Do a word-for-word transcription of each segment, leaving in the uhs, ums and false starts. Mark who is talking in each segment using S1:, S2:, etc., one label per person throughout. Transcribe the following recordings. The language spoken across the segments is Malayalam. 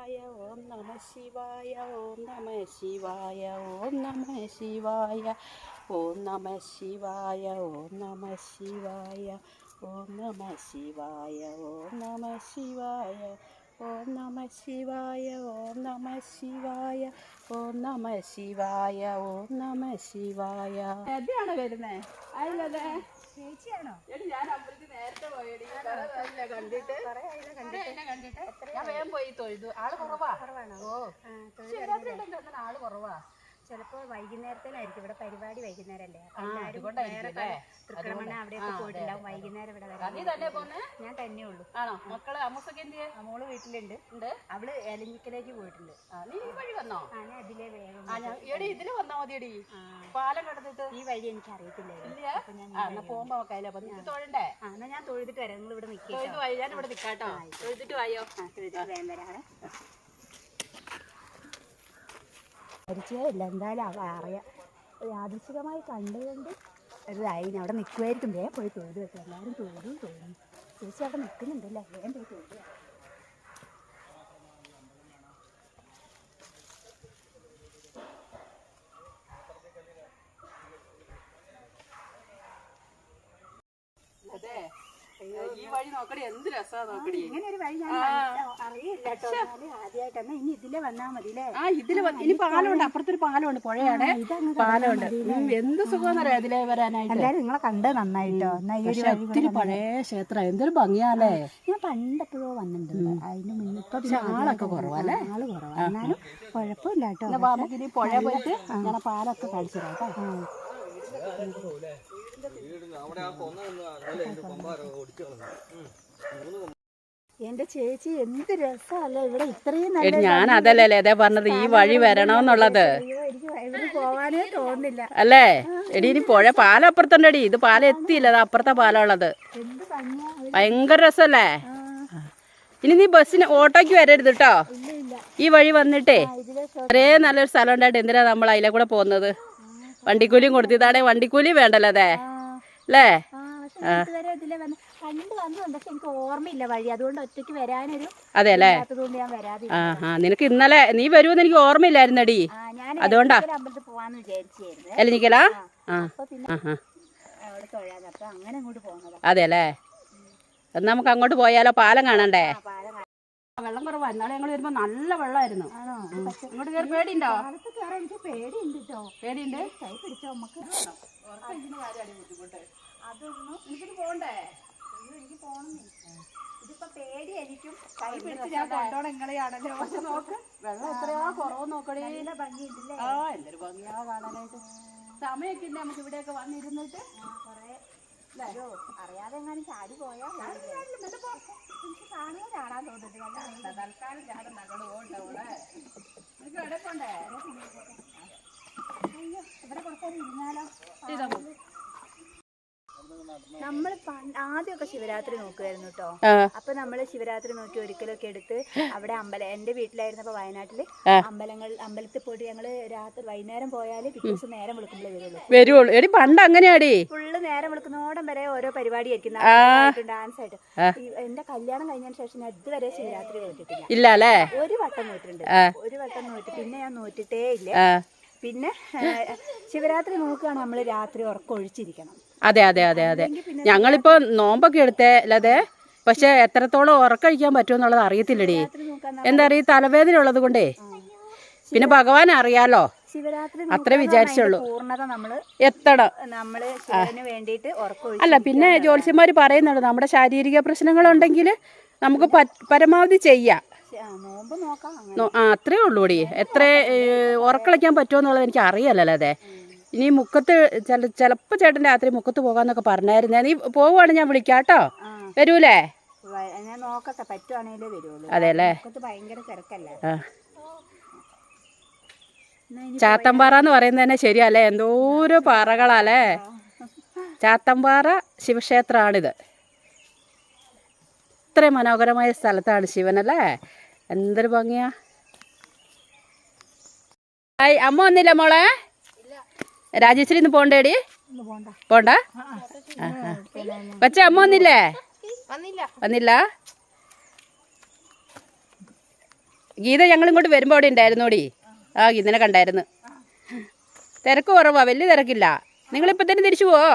S1: ശിവായ ഓം നമ ശിവായ ഓം നമ ശിവായ ഓം നമ ശിവായ ഓം നമ ശിവായ ഓം നമ ശിവായ ഓം നമ ശിവായ ഓം നമ ശിവായ ഓം നമ ശിവായ ഓം നമ ശിവായ ഓം നമ ശിവായ ഓം നമ ശിവായ. എവിടെയാണ് വരുന്നേ? അതിലല്ലേ ചേച്ചിയാണോ? എടി ഞാൻ അമ്പലത്തിൽ നേരത്തെ പോയടി. കണ്ടിട്ട് കണ്ടിട്ട് ഞാൻ വേഗം പോയി തൊഴുതു. ആള് കുറവാ. ഓ ശിവരാത്രി ആള് കുറവാ.
S2: ചിലപ്പോ വൈകുന്നേരത്തിനായിരിക്കും ഇവിടെ പരിപാടി. വൈകുന്നേരല്ലേ
S1: തൃക്കണ്ണമണ
S2: അവിടെയൊക്കെ പോയിട്ടുണ്ടാവും. വൈകുന്നേരം ഇവിടെ ഞാൻ തന്നെ ഉള്ളൂ.
S1: ആണോ? മക്കള് അമ്മൂസൊക്കെ എന്തിയെ?
S2: മോള് വീട്ടിലുണ്ട്. അവള് എലഞ്ഞിക്കലേക്ക് പോയിട്ടുണ്ട്.
S1: നീ ഈ വഴി വന്നോ?
S2: ഞാൻ അതിലെ വേഗം
S1: എടി ഇതില് വന്നാ മതിയടി. പാലം കടന്നിട്ട്
S2: ഈ വഴി എനിക്ക് അറിയത്തില്ലായിരുന്നു.
S1: പോകുമ്പോ തൊഴണ്ടേ?
S2: എന്നാ ഞാൻ തൊഴുതിട്ട് വരാം. നിങ്ങൾ ഇവിടെ നിൽക്കുക.
S1: ഞാൻ ഇവിടെ നിൽക്കാട്ടോ. തൊഴുതിട്ട് വായോ.
S2: തൊഴുതിട്ട് വേഗം വരാം. പരിചയമില്ല, എന്തായാലും അറിയാം. യാദൃശികമായി കണ്ടുകൊണ്ട് ഇതായി. ഞാൻ അവിടെ നിൽക്കുമായിരിക്കും. വേഗം പോയി തൊഴുത് വെക്കാം. എല്ലാവരും തൊഴുതും തൊഴുന്നു. ചേച്ചി അവിടെ നിൽക്കുന്നുണ്ടല്ലേ? വേഗം പോയി തൊഴുത്.
S1: അതെ, ഈ വഴി നോക്കടി, എന്ത് രസാ നോക്കടി.
S2: ഇങ്ങനെ ഒരു വഴി ഞാൻ അറിയില്ല കേട്ടോ. ആദ്യമായിട്ടാണ്. ഇനി ഇതിലെ വന്നാ മതില്ലേ?
S1: ആ ഇതില് ഇനി പാലമുണ്ട്. അപ്പുറത്തൊരു പാലമുണ്ട്, പുഴയാണ്. പാലമുണ്ട്. എന്ത് സുഖമെന്നറിയാം ഇതിലേ വരാനായിട്ട്.
S2: എല്ലാരും നിങ്ങളെ കണ്ടത് നന്നായിട്ടോ.
S1: ഒത്തിരി പഴയ ക്ഷേത്രം, എന്തൊരു ഭംഗിയാലേ.
S2: ഞാൻ പണ്ടെപ്പോഴോ വന്നിട്ടുണ്ട്. അതിന് മുന്നേ ഇപ്പൊ
S1: ആളൊക്കെ കുറവല്ലേ?
S2: ആള് കുറവാ. എന്നാലും കുഴപ്പമില്ല കേട്ടോ.
S1: നമുക്ക് ഇനി പുഴ പോയിട്ട് ഞാൻ പാലൊക്കെ കാണിച്ചു തരാം കേട്ടോ.
S2: എന്റെ ചേച്ചി എന്ത് രസമല്ലേ ഇവിടെ. ഇത്രയും
S1: ഞാൻ അതല്ലേ അതേ പറഞ്ഞത്, ഈ വഴി വരണമെന്നുള്ളത്.
S2: എനിക്ക് പോവാനേ തോന്നില്ല
S1: അല്ലേ? എടി ഇനി പുഴ പാലം അപ്പുറത്തുണ്ടടി. ഇത് പാലം എത്തിയില്ല, അത് അപ്പുറത്തെ പാലം ഉള്ളത്. ഭയങ്കര രസല്ലേ. ഇനി നീ ബസ്സിന് ഓട്ടോയ്ക്ക് വരരുത് കേട്ടോ. ഈ വഴി വന്നിട്ടേ ഒരേ നല്ലൊരു സ്ഥലം ഉണ്ടായിട്ട് എന്തിനാ നമ്മൾ അതിലെ കൂടെ പോകുന്നത്? വണ്ടിക്കൂലിയും കൊടുത്തിതാണെ വണ്ടിക്കൂലി വേണ്ടല്ലോ അതെ അല്ലേ?
S2: എനിക്ക് ഓർമ്മയില്ല വഴി, അതുകൊണ്ട് ഒറ്റയ്ക്ക് വരാനൊരു
S1: അതെ അല്ലേ? ആ ആ നിനക്ക് ഇന്നലെ നീ വരുമെന്ന് എനിക്ക് ഓർമ്മയില്ലായിരുന്നടി, അതുകൊണ്ടാ
S2: പോവാന്ന് വിചാരിച്ചായിരുന്നു.
S1: എലിഞ്ഞിക്കലാ? ആ അതെ അല്ലേ? എന്നാ നമുക്ക് അങ്ങോട്ട് പോയാലോ? പാലം കാണണ്ടേ? വെള്ളം കുറവാ. എന്നാലും ഞങ്ങൾ വരുമ്പോ നല്ല വെള്ളമായിരുന്നു. ഇങ്ങോട്ട് കയറി പേടിയുണ്ടോ?
S2: എനിക്ക് പേടിയുണ്ട് കേട്ടോ.
S1: പേടിയുണ്ട്.
S2: കൈ പിടിച്ചോ നമുക്ക്.
S1: അതൊന്നും എനിക്കിത് പോണ്ടേ?
S2: എനിക്ക് പോണം. ഇതിപ്പോ പേടി എനിക്കും. കൈ പിടിച്ച് ഞാൻ കൊണ്ടോണം നിങ്ങളെയാണല്ലോ.
S1: പക്ഷെ നോക്ക്, വെള്ളം എത്രയാ കുറവ് നോക്കണേ.
S2: നല്ല ഭംഗിയുണ്ടല്ലേ?
S1: ആ എന്തൊരു ഭംഗിയാ കാണാനായിട്ട്. സമയൊക്കെ ഇല്ല നമുക്ക് ഇവിടെയൊക്കെ വന്നിരുന്നിട്ട്.
S2: അറിയാതെ എങ്ങാനും ചാടി പോയാൽ എനിക്ക് കാണുക ചാടാൻ തോന്നുന്നുണ്ട്.
S1: തൽക്കാലം ചാടും നഗട് പോകണ്ടേ? എനിക്ക് എവിടെ പോണ്ടേ?
S2: അയ്യോ, ഇവിടെ കുറച്ചേരം ഇരുന്നാലോ? നമ്മൾ ആദ്യമൊക്കെ ശിവരാത്രി നോക്കുമായിരുന്നു കേട്ടോ. അപ്പൊ നമ്മള് ശിവരാത്രി നോക്കി ഒരിക്കലൊക്കെ എടുത്ത് അവിടെ അമ്പലം, എന്റെ വീട്ടിലായിരുന്നപ്പോ വയനാട്ടില് അമ്പലങ്ങൾ അമ്പലത്തിൽ പോയിട്ട് ഞങ്ങള് രാത്രി വൈകുന്നേരം പോയാല് പിറ്റേ ദിവസം നേരം വിളിക്കുമ്പോഴേ വരുള്ളൂ
S1: വരുള്ളൂ എടി പണ്ട് അങ്ങനെയാടി.
S2: ഫുള്ള് നേരം വിളിക്കുന്നോടം വരെ ഓരോ പരിപാടി ആയിരിക്കും, ഡാൻസ് ആയിട്ട്. എന്റെ കല്യാണം കഴിഞ്ഞതിന് ശേഷം ഞാൻ ഇതുവരെ ശിവരാത്രി നോക്കിയിട്ടില്ല.
S1: ഇല്ല അല്ലേ?
S2: ഒരു വട്ടം നോക്കിയിട്ടുണ്ട്, ഒരു വട്ടം നോക്കി. പിന്നെ ഞാൻ നോക്കിയിട്ടേ ഇല്ല. പിന്നെ ശിവരാത്രി നോക്കുകയാണ് നമ്മള് രാത്രി ഉറക്കം ഒഴിച്ചിരിക്കണം.
S1: അതെ അതെ അതെ അതെ ഞങ്ങളിപ്പോ നോമ്പൊക്കെ എടുത്തേ അല്ലാതെ, പക്ഷെ എത്രത്തോളം ഉറക്കഴിക്കാൻ പറ്റുമെന്നുള്ളത് അറിയത്തില്ലടി. എന്താ അറിയ തലവേദന ഉള്ളത് കൊണ്ടേ. പിന്നെ ഭഗവാൻ അറിയാലോ, അത്രേ വിചാരിച്ചുള്ളൂ. എത്തണം അല്ല. പിന്നെ ജ്യോത്സ്യന്മാര് പറയുന്നുണ്ട് നമ്മുടെ ശാരീരിക പ്രശ്നങ്ങളുണ്ടെങ്കിൽ നമുക്ക് പരമാവധി ചെയ്യാം. ആ അത്രേ ഉള്ളൂടി. എത്ര ഉറക്കളിക്കാൻ പറ്റുമെന്നുള്ളത് എനിക്ക് അറിയാലല്ലോ. അതെ ഇനി മുക്കത്ത് ചില ചിലപ്പോൾ ചേട്ടൻ രാത്രി മുക്കത്ത് പോകാന്നൊക്കെ പറഞ്ഞായിരുന്നേ. നീ പോവുകയാണെങ്കിൽ ഞാൻ വിളിക്കാം കേട്ടോ. വരൂലേ?
S2: ഞാൻ നോക്കട്ടെ, പറ്റുവാണെങ്കിലേ വരുള്ളൂ.
S1: അതെ അല്ലേ?
S2: ഭയങ്കര തിരക്കല്ലേ.
S1: ചാത്തമ്പാറ എന്ന് പറയുന്നത് തന്നെ ശരിയല്ലേ? എന്തോരോ പാറകളല്ലേ. ചാത്തമ്പാറ ശിവക്ഷേത്രമാണിത്. ഇത്രയും മനോഹരമായ സ്ഥലത്താണ് ശിവനല്ലേ. എന്തൊരു ഭംഗിയാ. ഹായ്, അമ്മ വന്നില്ല മോളെ? രാജേശ്വരി ഇന്ന് പോണ്ടേടി? പോണ്ട. പക്ഷെ അമ്മ വന്നില്ലേ? വന്നില്ല. ഗീത ഞങ്ങൾ ഇങ്ങോട്ട് വരുമ്പോൾ അവിടെ ഉണ്ടായിരുന്നോടി. ആ ഗീതനെ കണ്ടായിരുന്നു. തിരക്ക് കുറവാ, വലിയ തിരക്കില്ല. നിങ്ങളിപ്പോൾ തന്നെ തിരിച്ചു പോവോ?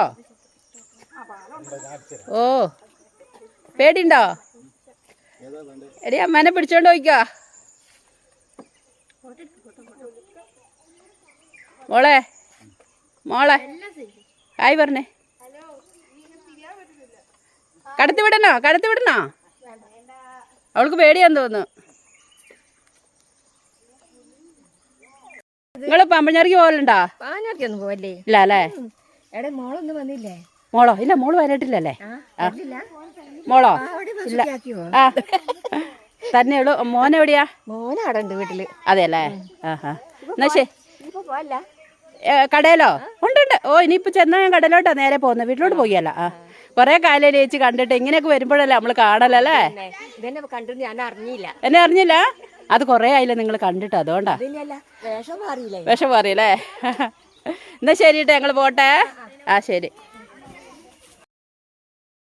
S1: ഓ പേടിയുണ്ടോ? എടി അമ്മേനെ പിടിച്ചോണ്ട് പോയിക്കോ. മോളെ മോളെ ഹായ് പറഞ്ഞേ. കടത്തി വിടണോ? കടത്തി വിടണോ? അവൾക്ക് പേടിയാന്ന് തോന്നുന്നു. നിങ്ങള് പമ്പഞ്ഞാറിക്ക് പോകലുണ്ടോ?
S3: പാഞ്ഞാർക്കൊന്നും പോവല്ലേ?
S1: ഇല്ല അല്ലേ?
S3: എടെ മോളൊന്നും വന്നില്ലേ?
S1: മോളോ? ഇല്ല, മോള് വരട്ടില്ലല്ലേ? മോളോ? ഇല്ല. ആ തന്നെയുള്ളൂ. മോനെവിടെയാ?
S3: മോനാടുണ്ട് വീട്ടില്.
S1: അതെ അല്ലേ? ആഹാ എന്നാ ശരി.
S3: ഇപ്പൊ പോവല്ല.
S1: കടയിലോ? ഉണ്ട് ഉണ്ട്. ഓ ഇനിയിപ്പോൾ ചെന്നാൽ ഞാൻ കടയിലോട്ടാ നേരെ പോകുന്നത്, വീട്ടിലോട്ട് പോയല്ല. ആ കുറേ കാലം ചേച്ചി കണ്ടിട്ട് ഇങ്ങനെയൊക്കെ വരുമ്പോഴല്ലേ നമ്മൾ കാണലല്ലേ.
S3: ഇതെന്നെ കണ്ടു ഞാൻ അറിഞ്ഞില്ല.
S1: എന്നെ അറിഞ്ഞില്ല? അത് കുറേ ആയില്ലേ നിങ്ങൾ കണ്ടിട്ട്, അതുകൊണ്ടാ.
S3: വേഷം മാറിയില്ലേ?
S1: വിഷം മാറിയല്ലേ? എന്നാ ശരി കേട്ടോ, ഞങ്ങൾ പോട്ടെ. ആ ശരി.